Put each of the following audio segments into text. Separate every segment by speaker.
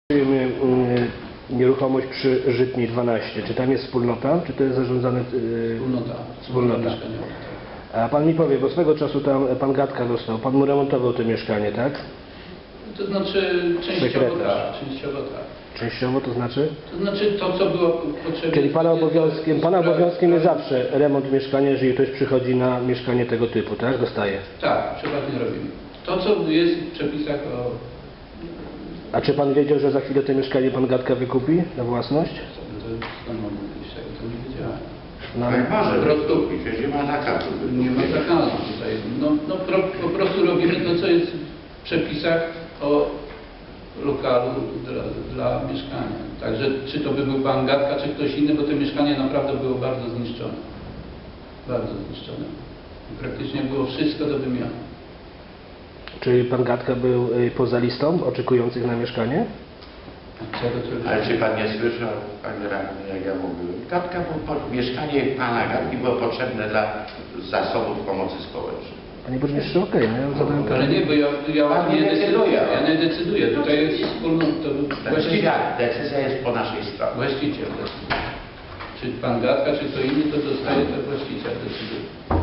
Speaker 1: Nieruchomość przy Żytniej 12. Czy tam jest wspólnota, czy to jest zarządzane... Wspólnota. A pan mi powie, bo swego czasu tam pan Gadka dostał, pan mu remontował to mieszkanie, tak?
Speaker 2: To znaczy częściowo tak,
Speaker 1: Częściowo to znaczy?
Speaker 2: To znaczy to, co było potrzebne...
Speaker 1: Czyli pana obowiązkiem jest zawsze remont mieszkania, jeżeli ktoś przychodzi na mieszkanie tego typu, tak? Dostaje.
Speaker 2: Tak, przeważnie robimy. To, co jest w przepisach o...
Speaker 1: A czy pan wiedział, że za chwilę to mieszkanie pan Gadka wykupi na własność?
Speaker 2: To mogę powiedzieć, tego to nie wiedziałem.
Speaker 1: No,
Speaker 3: Jak może wykupić, przecież nie ma zakazu.
Speaker 2: Nie ma zakazu tutaj. Po prostu robimy to, co jest w przepisach o lokalu dla mieszkania. Także czy to by był pan Gadka, czy ktoś inny, bo to mieszkanie naprawdę było bardzo zniszczone. Bardzo zniszczone. I praktycznie było wszystko do wymiany.
Speaker 1: Czyli pan Gadka był poza listą oczekujących na mieszkanie?
Speaker 3: Ale czy pan nie słyszał, panie radny, jak ja mówiłem? Gadka, mieszkanie pana Gadki było potrzebne dla zasobów pomocy społecznej.
Speaker 1: Panie burmistrzu, okej, no ja zadałem
Speaker 2: Ale nie, bo ja
Speaker 3: Pan nie decyduje.
Speaker 2: Ja nie decyduję. Tutaj jest wspólnota.
Speaker 3: Decyzja jest po naszej stronie.
Speaker 2: Właściciel decyduje. Czy pan Gadka, czy kto inny to dostaje, to właściciel decyduje.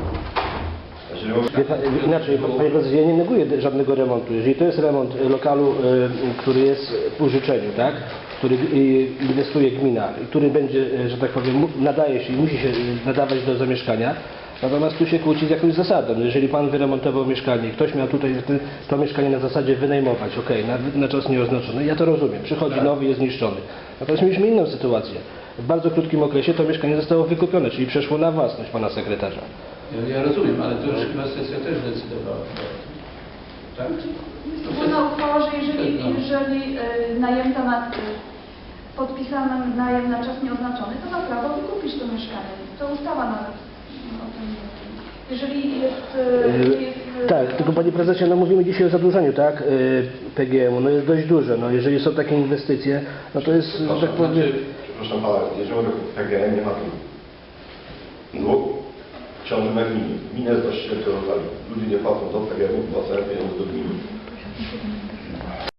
Speaker 1: Inaczej, panie prezesie, ja nie neguję żadnego remontu. Jeżeli to jest remont lokalu, który jest w użyczeniu, tak? Który inwestuje gmina, który będzie, że tak powiem, nadaje się i musi się nadawać do zamieszkania, natomiast tu się kłóci z jakąś zasadą. Jeżeli pan wyremontował mieszkanie, ktoś miał tutaj to mieszkanie na zasadzie wynajmować, na czas nieoznaczony, ja to rozumiem. Przychodzi nowy, jest zniszczony. Natomiast mieliśmy inną sytuację. W bardzo krótkim okresie to mieszkanie zostało wykupione, czyli przeszło na własność pana sekretarza.
Speaker 2: Ja rozumiem, ale to już chyba sesja też decydowała. Tak?
Speaker 4: Ona uchwała, że jeżeli najemca ma podpisany najem na czas nieoznaczony, to ma prawo wykupić to mieszkanie. To ustawa nawet o tym mówi. Jeżeli jest...
Speaker 1: Tak, tylko panie prezesie, no mówimy dzisiaj o zadłużeniu, tak? PGM-u, no jest dość duże. No jeżeli są takie inwestycje, no to jest, że tak powiem...
Speaker 5: Przepraszam pana, jeżeli mówię o PGM, nie ma tu długu. Ciąży na gminie. Gmina jest właścicielem tego lokalu. Ludzie nie płacą do PGM-u, płacają pieniądze do gminy.